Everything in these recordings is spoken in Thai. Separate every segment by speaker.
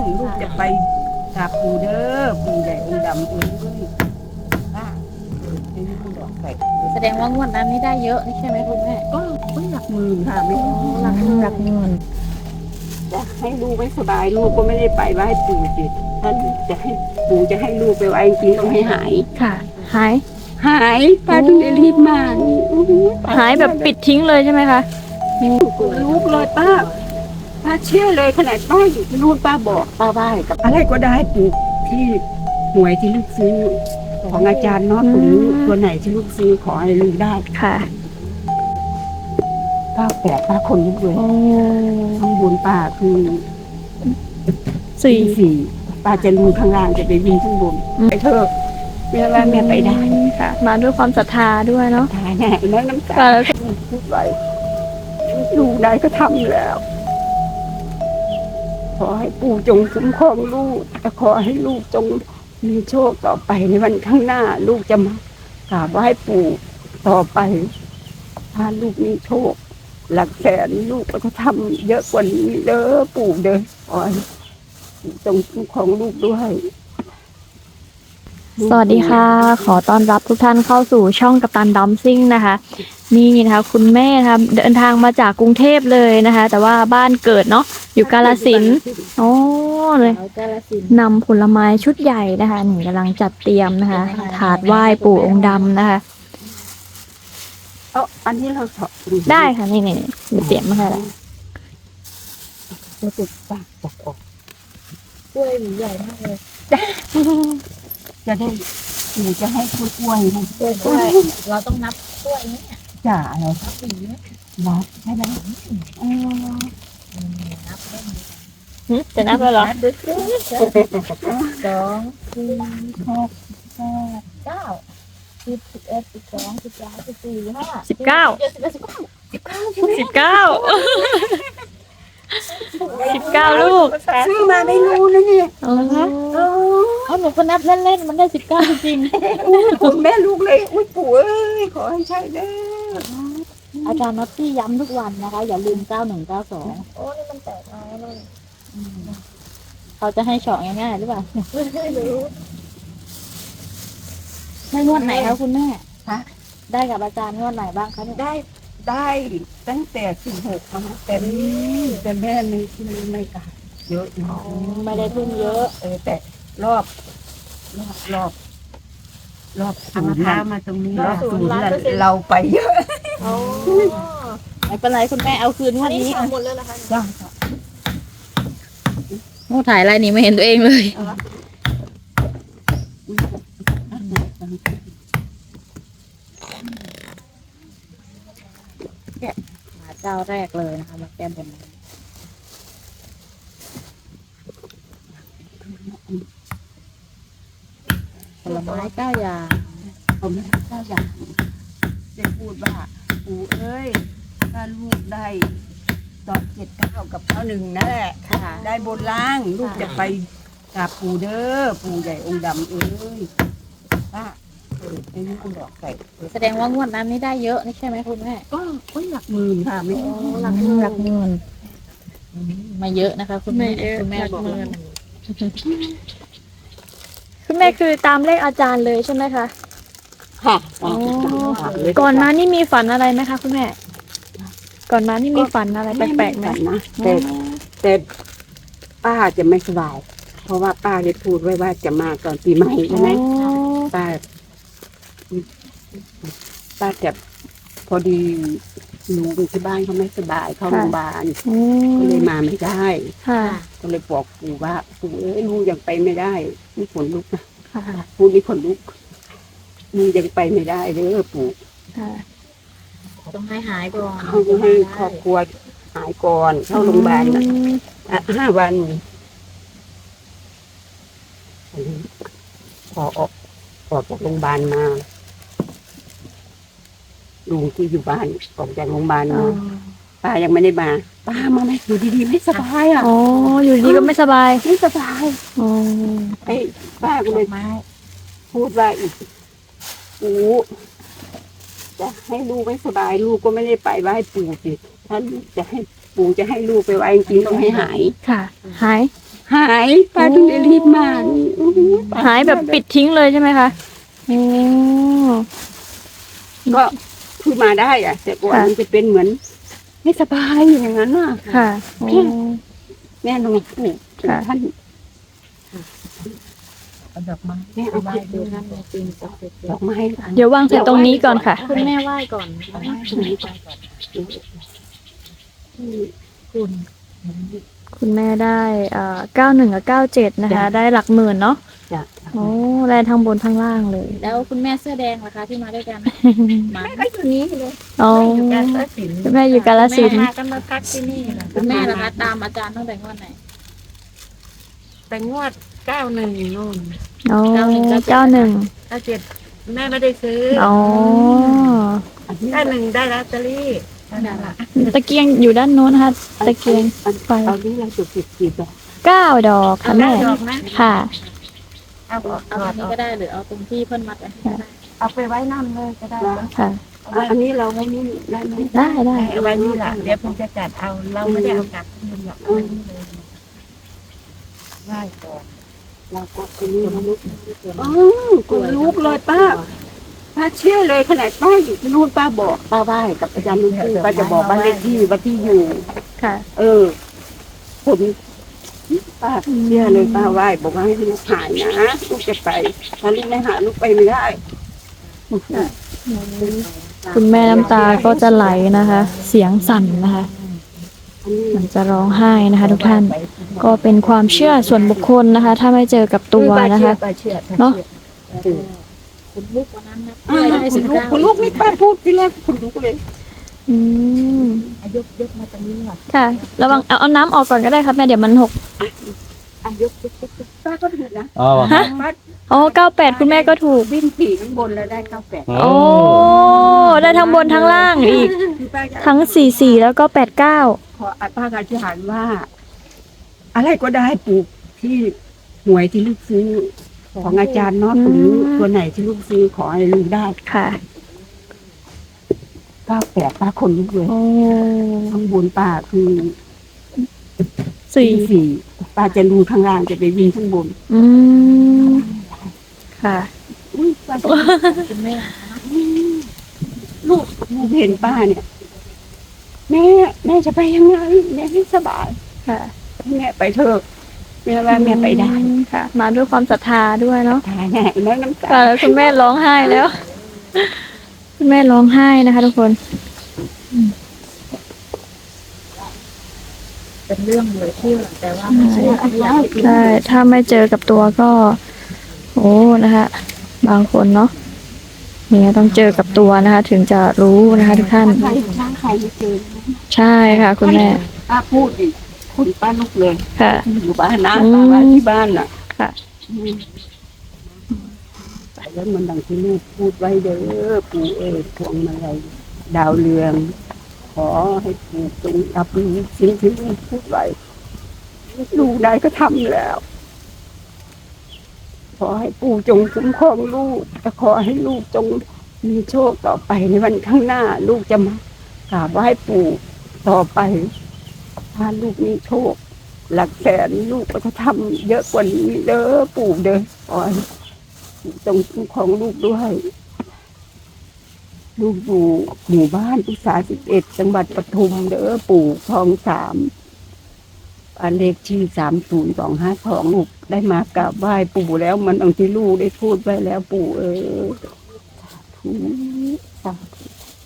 Speaker 1: ลูกจะไปกราบปู่เด้อปู่ใหญ่องค์ดำเอ้ยป้าจะให้ลูกบอกใส่
Speaker 2: แสดงว่างวดนั้นนี่ได้เยอะนี่ใช่ไหมคุณแม่
Speaker 1: ก็หลักหมื่นค่ะไม่
Speaker 2: หลักเงิน
Speaker 1: จะให้ลูกไม่สบายลูกก็ไม่ได้ไปไหว้ปู่สิท่านจะให้ปู่จะให้ลูกไปไหว้จริงต้องให้หาย
Speaker 2: ค่ะ หาย
Speaker 1: หายป้าถึงได้รีบมาอื้อหือ
Speaker 2: หายแบบปิดทิ้งเลยใช่ไหมคะ
Speaker 1: ลูกเลยป้าเชื่อเลยขนาดป้าอยู่ที่นู่นป้าบอกป้าไหว้กับอะไรก็ได้ปู่ที่หวยที่ลูกซื้อของอาจารย์เนาะตัวไหนที่ลูกซื้อขอให้ลูกได้
Speaker 2: ค่ะ
Speaker 1: 98ป้าคนลุกเลย
Speaker 2: โอ้
Speaker 1: ข้างบนป้าคือ
Speaker 2: สี่
Speaker 1: สี่ป้าจะลงข้างล่างจะไปวิ่งข้างบนไปเถอะแม่ว่าแม่ไปได้
Speaker 2: ค่ะ มาด้วยความศรัทธาด้วยเนาะ
Speaker 1: ตายแน่แล้วน้ำตา
Speaker 2: ค่ะ
Speaker 1: พูดไว้ลูกได้ก็ทำแล้ว ขอให้ปู่จงคุ้มครองลูกและขอให้ลูกจงมีโชคต่อไปในวันข้างหน้า ลูกจะมากราบไหว้ปู่ต่อไป ถ้าลูกมีโชค หลักแสนลูกก็จะทำเยอะกว่านี้เด้อปู่เด้อขอให้ปู่จงคุ้มครองลูกด้วย
Speaker 2: สวัสดีค่ะ ขอต้อนรับทุกท่านเข้าสู่ช่องกัปตันดัมซิ่งนะคะ นี่นะคะคุณแม่นะคะเดินทางมาจากกรุงเทพเลยนะคะ แต่ว่าบ้านเกิดเนาะอยู่กาฬสินธุ์โอ้เลยนำผลไม้ชุดใหญ่นะคะหนูกำลังจัดเตรียมนะคะ ถาดไหว้ปู่องค์ดำนะคะ
Speaker 1: อันนี้เราสอบ
Speaker 2: ได้ค่ะนี่นี่มีเตรียมมาให้แล้ว
Speaker 1: จะติดปากบอกออก
Speaker 2: กล้วยใหญ่มากเลย
Speaker 1: จะได้หนูจะให้กล้วยนะ
Speaker 2: กล้วยเราต้องนับกล้วยเนี่ย
Speaker 1: จ่าอะไรนับใช่ไหม
Speaker 2: นับได้จะนับแล้วเหรอ2 4 6 8 9 10 11 12 13 14 15 19 19ลูก
Speaker 1: ซื้อมาไม่รู้นะเนี่ย
Speaker 2: อ๋อหนูก็นับเล่นๆมันได้19จริง
Speaker 1: คุณแม่ลูกเลยอุ้ยปู่เอ้ยขอให้ใช่เด้อ
Speaker 2: อาจารย์น็อตตี้ย้ำทุกวันนะคะ อย่าลืม9192
Speaker 3: โอ้นี่มันแตกมาแล้วเลย
Speaker 2: เขาจะให้เฉาะง่ายๆหรือเปล่าไม่รู้ได้งวดไหนคะคุณแม่
Speaker 1: ฮะ
Speaker 2: ได้กับอาจารย์งวดไหนบ้างคะเนี่ย
Speaker 1: ได้ตั้งแต่16มาแต่แม่ไม่กล้าเยอะนะ
Speaker 2: ไม่ได้ทุ่มเยอะ
Speaker 1: แต่รอบศูนย์มาตรงนี้รอบศูนย์เราไปเยอะ
Speaker 3: โอ้
Speaker 2: ไม่เป็นไรคุณแม่เอาคืนง
Speaker 3: อั
Speaker 2: วัน น
Speaker 3: นี้
Speaker 2: นี้
Speaker 3: สองหมดเลยเหรอคะ
Speaker 1: จ้า
Speaker 2: โอ้ถ่ายอะไรนี่ไม่เห็นตัวเองเลยมาเจ้าแรกเลยนะคะมาแก้บนผลไม้9 อย่าง
Speaker 1: ผมไม่เจ้าอย่างจะพูดว่าปู่เอ้ยถ้าลูกได้ตอบ79กับ91นั่นแหละ
Speaker 2: ค่ะ
Speaker 1: ได้บนล่างลูกจะไปกราบปู่เด้อปู่ใหญ่องค์ดำเอ้ยป้าให้ลูกบอกใส่
Speaker 2: แสดงว่างวดนั้นนี่ได้เยอะนี่ใช่ไหมคุณแม่
Speaker 1: ก็หลักหมื่นค่ะไม่
Speaker 2: หลักเงินไม่เยอะนะคะคุณแม่คุณแม่บอกคุณแม่คือตามเลขอาจารย์เลยใช่ไหมคะ
Speaker 1: ค่ะ
Speaker 2: ก่อนมานี่มีฝันอะไรไหมคะคุณแม่ ก่อนมานี่มีฝันอะไรแปลกๆไหม
Speaker 1: นะแต่ป้าจะไม่สบาย เพราะว่าป้าได้พูดไว้ว่าจะมาก่อนปีใหม่ใช่ไหม ป้าจะพอดีลุงที่บ้านเขาไม่สบายเข้าโรงพยาบาลก็เลยมาไม่ได้
Speaker 2: ค่ะ
Speaker 1: ก็เลยบอกปู่ว่าปู่เอ้ยลุงยังไปไม่ได้นี่ขนลุกนะ
Speaker 2: ค่ะ
Speaker 1: พูดนี่ขนลุกลุงยังไปไม่ได้เด้อปู่
Speaker 2: ค่ะ
Speaker 3: ต้องให้หายก่อน
Speaker 1: เขาจะให้ครอบครัวหายก่อนเข้าโรงพยาบาลนะ5 วันพอออกจากโรงพยาบาลมาลุงที่อยู่บ้านออกจากโรงพยาบาลมาป้ายังไม่ได้มาป้ามาไม่อยู่ดีๆไม่สบายอ่ะ
Speaker 2: อ๋ออยู่ดีก็ไม่สบาย
Speaker 1: ไม่สบาย
Speaker 2: อ๋อ
Speaker 1: ไอ้ป้าก็เลยพูดว่าอีกปู่จะให้ลูกไม่สบายลูกก็ไม่ได้ไปไหว้ปู่สิท่านจะให้ปู่จะให้ลูกไปไหว้จริงๆต้องให้หาย
Speaker 2: ค่ะ หาย
Speaker 1: หายป้าถึงได้รีบมานี่อื้อหือป้
Speaker 2: หายแบบปิดทิ้งเลยใช่ไหมคะโอ้
Speaker 1: ก็คือมาได้อะแต่ก่อน
Speaker 2: ค่ะ
Speaker 1: มันจะเป็นเหมือนไม่สบายอย่างนั้นน่ะ
Speaker 2: ค่ะโอ้
Speaker 1: แม่ลงปู่
Speaker 2: ค่ะ
Speaker 1: ท่าน
Speaker 3: เอาดอกไม้
Speaker 1: แม่เอา
Speaker 3: ไหว้
Speaker 1: ผิด
Speaker 3: ดู
Speaker 1: ดู
Speaker 3: นั่
Speaker 1: นะ
Speaker 3: นในจริงศักดิ์สิทธิ์
Speaker 1: ดอกไม้
Speaker 2: เดี๋ยววางใส่ตรงนี้ก่อนค่ะ
Speaker 3: คุณแม่ไหว้ก่อน
Speaker 1: ดอกไม้ตรงนี้ก่อนคุณ
Speaker 2: คุณแม่ได้91กับ97นะคะ ได้หลักหมื่นเนาะ
Speaker 1: จะ
Speaker 2: โอ้ได้ทั้งบนทั้งล่างเลย
Speaker 3: แล้วคุณแม่เสื้อแดงล่ะคะที่มาด้วยกันมา
Speaker 1: แม่ก็อยู่นี้เลย
Speaker 2: โอ้
Speaker 1: อยู่กาฬสินธุ์
Speaker 2: คุณแม่อยู่กาฬสินธุ์
Speaker 1: มากันมาพักที่นี่แหละ
Speaker 3: คุณแม่ล่ะคะตามอาจารย์ตั้งแต่งวดไหน
Speaker 1: แต่งวด91นู่น
Speaker 2: โอ้
Speaker 3: 91
Speaker 1: 97แม่ไม่ได้ซื้อ
Speaker 2: โอ้
Speaker 1: 91ได้ลอตเตอรี่นั่นแหละ
Speaker 2: ตะเกียงอยู่ด้านโน้นนะคะตะเกียงไฟ
Speaker 1: เอาที่เราจุดกี่ดอก
Speaker 2: 9 ดอกค่ะแม่
Speaker 1: ดอกนะ
Speaker 2: ค่ะ
Speaker 1: เอาออก
Speaker 3: เอาตรงนี้ก็ได้หรือเอาตรงที่เพิ่นมัดไว้ให้ก็ได้
Speaker 1: เอาไปไว้นั่นเลยก็ได้
Speaker 2: ค่ะ
Speaker 1: อันนี้เราไว้นี่ได้ไหม
Speaker 2: ได้ได้
Speaker 1: เอาไว้นี่แหละเดี๋ยวผมจะจัดเอาเราไม่ได้เอากลับมันหรอกเอาไว้นี่เลยไหว้ก่อนเราก็คนนี้ลุกคนลุกเลยป้าเชื่อเลยขนาดป้าอยู่ที่นู่นป้าบอกป้าไหว้กับอาจารย์ลุงปู่ป้าจะบอกบ้านเลขที่ว่าที่อยู่
Speaker 2: ค่ะ
Speaker 1: ผมป้าเชื่อเลยป้าไหว้บอกว่าให้ลูกหายนะลูกจะไปถ้าลูกไม่หายลูกไปไม่ได้
Speaker 2: คุณแม่น้ำตาก็จะไหลนะคะ เสียงสั่นนะคะ มันจะร้องไห้นะคะ ทุกท่าน ก็เป็นความเชื่อส่วนบุคคลนะคะ ถ้าไม่เจอกับตัวนะคะ
Speaker 1: ป้าเชื่อ
Speaker 2: เนาะ
Speaker 3: คุณลูกวันนั้นนะ
Speaker 1: ได้สิบเก้าคุณลูกนี่ป้าพูดที่แรกคุณลูกเลย
Speaker 2: อืม
Speaker 3: ยกมาตรงนี้หน่อย
Speaker 2: ค่ะ ระวังเอาน้ำออกก่อนก็ได้ครับแม่เดี๋ยวมันหก
Speaker 1: ยกป้าก็ถูกนะ
Speaker 4: อ๋อ
Speaker 2: ฮะ
Speaker 1: ป้า
Speaker 2: อ๋อ98คุณแม่ก็ถูก
Speaker 1: วิ่งขี่ข้างบนแล้วได้98
Speaker 2: โอ้ ได้ทั้งบนทั้งล่างอีก
Speaker 1: คือป้าจะ
Speaker 2: ทั้ง44แล้วก็89
Speaker 1: ขอป้าอธิษฐานว่า อะไรก็ได้ปลูกที่หวยที่ลูกซื้อของอาจารย์เนาะหรือตัวไหนที่ลูกซื้อขอให้ลูกได้
Speaker 2: ค่ะ
Speaker 1: 98ป้าคนลุกเลย
Speaker 2: โอ้
Speaker 1: ข้างบนป้าคือ
Speaker 2: 4
Speaker 1: 4ป้าจะรูข้างล่างจะไปวิ่งข้างบน
Speaker 2: อืมค่ะ
Speaker 1: อุ้ยป้าจะ
Speaker 3: คุณแม่
Speaker 1: ลูกเห็นป้าเนี่ย แม่จะไปยังไงแม่ไม่สบาย
Speaker 2: ค่ะ
Speaker 1: ให้แม่ไปเถอะแม่ว่าแม่ไปได้
Speaker 2: ค่ะ มาด้วยความศรัทธาด้วยเนาะ
Speaker 1: ทายแน่แม่น้ำตา
Speaker 2: ค่ะแล้วคุณแม่ร้องไห้แล้ว คุณแม่ร้องไห้นะคะ ทุกคน
Speaker 3: เป็นเรื่องเหลือเชื่อแต่ว่าไม่เชื่อที่อยากให้
Speaker 2: ใช่ ถ้าไม่เจอกับตัวก็ โอ้นะคะ บางคนเนาะเนี่ยต้องเจอกับตัวนะคะ ถึงจะรู้นะคะ ทุกท่าน
Speaker 1: ใครใครไม่เจอ
Speaker 2: ใช่ค่ะ คุณแม่
Speaker 1: ป้าพูดดิคุณป้าลุกเลย
Speaker 2: ค่ะ
Speaker 1: อยู่บ้านนะ
Speaker 2: อืม
Speaker 1: ป้าว่าที่บ้านน่ะ
Speaker 2: ค่ะ
Speaker 1: ไปแล้วมันดังที่ลูกพูดไว้เด้อปู่พวงมาลัยดาวเรือง ขอให้ปู่จงรับรู้สิ่งที่ลูกพูดไว้ลูกได้ก็ทำแล้ว ขอให้ปู่จงคุ้มครองลูกและขอให้ลูกจงมีโชคต่อไปในวันข้างหน้า ลูกจะมากราบไหว้ปู่ต่อไป ถ้าลูกมีโชค หลักแสนลูกก็จะทำเยอะกว่านี้เด้อปู่เด้อขอให้ปู่จงคุ้มครองลูกด้วย ลูกอยู่หมู่บ้านอุตสาห11จังหวัดปทุมเด้อปู่คลอง3บ้านเลขที่3025ลูกได้มากราบไหว้ปู่แล้วมันอังที่ลูกได้พูดไว้แล้วปู่สาธุ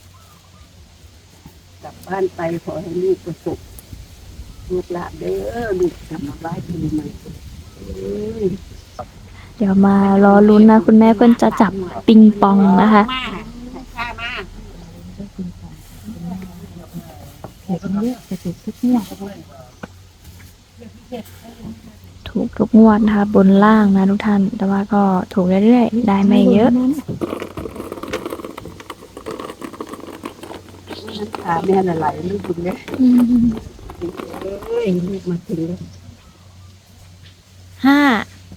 Speaker 1: กลับบ้านไปขอให้ลูกประสบลูกหลานเด้อลูกจะมาไหว้ปู่ใหม่
Speaker 2: เดี๋ยวมารอลุ้นนะ คุณแม่เพิ่นจะจับปิงปองนะคะ ถูกทุกงวดนะคะ บนล่างนะทุกท่าน แต่ว่าก็ถูกเรื่อยๆ ได้ไม่เยอะ
Speaker 1: ขาแม่ละไหลลูกบุญเนี่ยลูกมาถึงแล้ว
Speaker 2: 5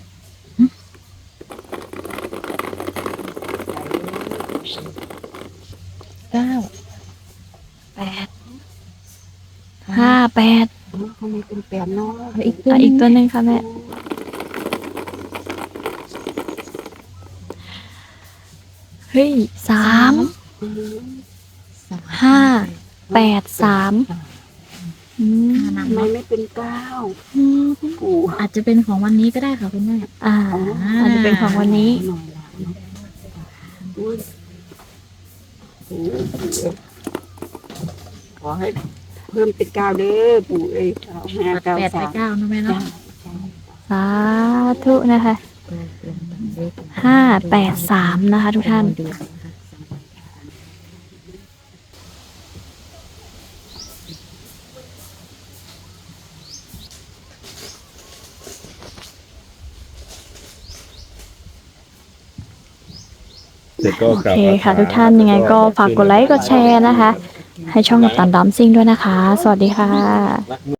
Speaker 1: 9
Speaker 2: 8 5 8
Speaker 1: ทำไมเป็นแปดเนาะอีก
Speaker 2: อีกตัวหนึ่งค่ะแม่เฮ้ย3 5 8 3อืม
Speaker 1: ทำไมไม่เป็น9ปู่
Speaker 3: อาจจะเป็นของวันนี้ก็ได้ค่ะคุณแม่
Speaker 2: อาจจะเป็นของวันนี้
Speaker 1: หน่อยละอุ๊ยปู่ขอให้เพิ่มเป็น9เด้อปู่เอ้ย9 5 9
Speaker 3: 8 ไป
Speaker 1: 3
Speaker 3: 9นะแม่เนาะ
Speaker 2: สาธุนะคะ583นะคะทุกท่าน
Speaker 4: เสร็จก็
Speaker 2: โอก
Speaker 4: ราบ
Speaker 2: เคค่ะ
Speaker 4: พร
Speaker 2: ทุกท่านยังไงก็ฝากกดไลค์กดแชร์นะคะ ให้ช่องกับตันดัมซิ่งด้วยนะคะ สวัสดีค่ะ